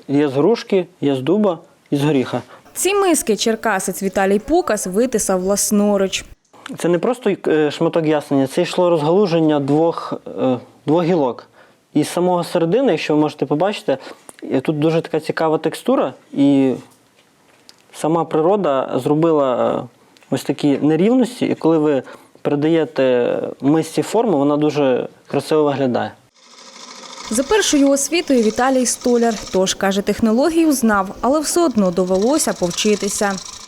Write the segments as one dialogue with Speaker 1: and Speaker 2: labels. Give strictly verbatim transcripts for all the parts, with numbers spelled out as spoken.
Speaker 1: Є з грушки, є з дуба і з горіха.
Speaker 2: Ці миски черкасець Віталій Пукас витисав власноруч.
Speaker 1: Це не просто шматок ясеня, це йшло розгалуження двох, двох гілок. І з самого середини, якщо ви можете побачити, тут дуже така цікава текстура, і сама природа зробила ось такі нерівності, і коли ви передаєте мисці форму, вона дуже красиво виглядає.
Speaker 2: За першою освітою Віталій столяр, тож, каже, технологію знав, але все одно довелося повчитися.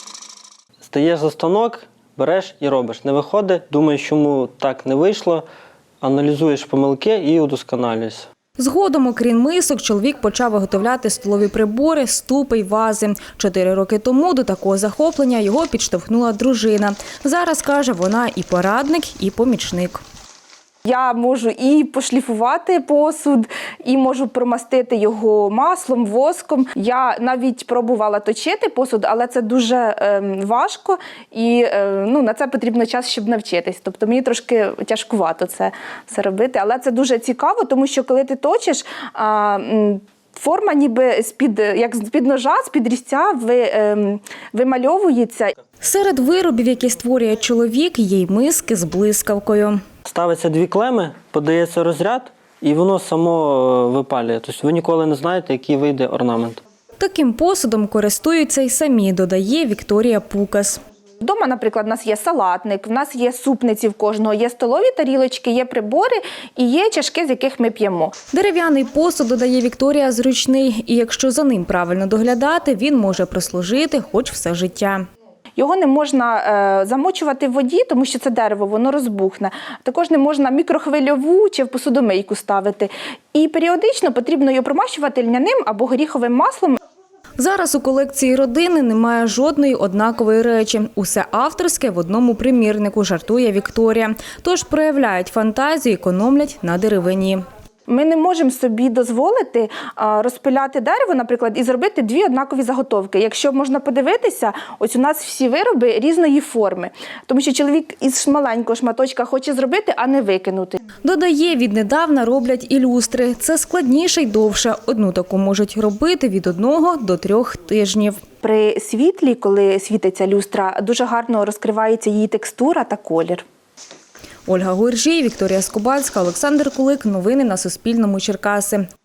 Speaker 1: Стаєш за станок, береш і робиш. Не виходить, думаєш, чому так не вийшло, аналізуєш помилки і удосконалюєшся.
Speaker 2: Згодом, окрім мисок, чоловік почав виготовляти столові прибори, ступи й вази. Чотири роки тому до такого захоплення його підштовхнула дружина. Зараз, каже, вона і порадник, і помічник.
Speaker 3: Я можу і пошліфувати посуд, і можу промастити його маслом, воском. Я навіть пробувала точити посуд, але це дуже е, важко і е, ну, на це потрібно час, щоб навчитись. Тобто мені трошки тяжкувато це все робити, але це дуже цікаво, тому що коли ти точиш, а, форма ніби з-під, як з-під ножа, з-під різця ви, е, вимальовується.
Speaker 2: Серед виробів, які створює чоловік, є й миски з блискавкою.
Speaker 1: Ставиться дві клеми, подається розряд, і воно само випалює. Тобто ви ніколи не знаєте, який вийде орнамент.
Speaker 2: Таким посудом користуються й самі, додає Вікторія Пукас.
Speaker 3: Вдома, наприклад, у нас є салатник, в нас є супниці в кожного, є столові тарілочки, є прибори і є чашки, з яких ми п'ємо.
Speaker 2: Дерев'яний посуд, додає Вікторія, зручний, і якщо за ним правильно доглядати, він може прослужити хоч все життя.
Speaker 3: Його не можна е, замочувати в воді, тому що це дерево, воно розбухне. Також не можна мікрохвильову чи в посудомийку ставити. І періодично потрібно його промащувати льняним або горіховим маслом.
Speaker 2: Зараз у колекції родини немає жодної однакової речі. Усе авторське в одному примірнику, жартує Вікторія. Тож проявляють фантазію, економлять на деревині.
Speaker 3: Ми не можемо собі дозволити розпиляти дерево, наприклад, і зробити дві однакові заготовки. Якщо можна подивитися, ось у нас всі вироби різної форми. Тому що чоловік із маленького шматочка хоче зробити, а не викинути.
Speaker 2: Додає, віднедавна роблять і люстри. Це складніше й довше. Одну таку можуть робити від одного до трьох тижнів.
Speaker 3: При світлі, коли світиться люстра, дуже гарно розкривається її текстура та колір.
Speaker 2: Ольга Гуржій, Вікторія Скубальська, Олександр Кулик. Новини на Суспільному. Черкаси.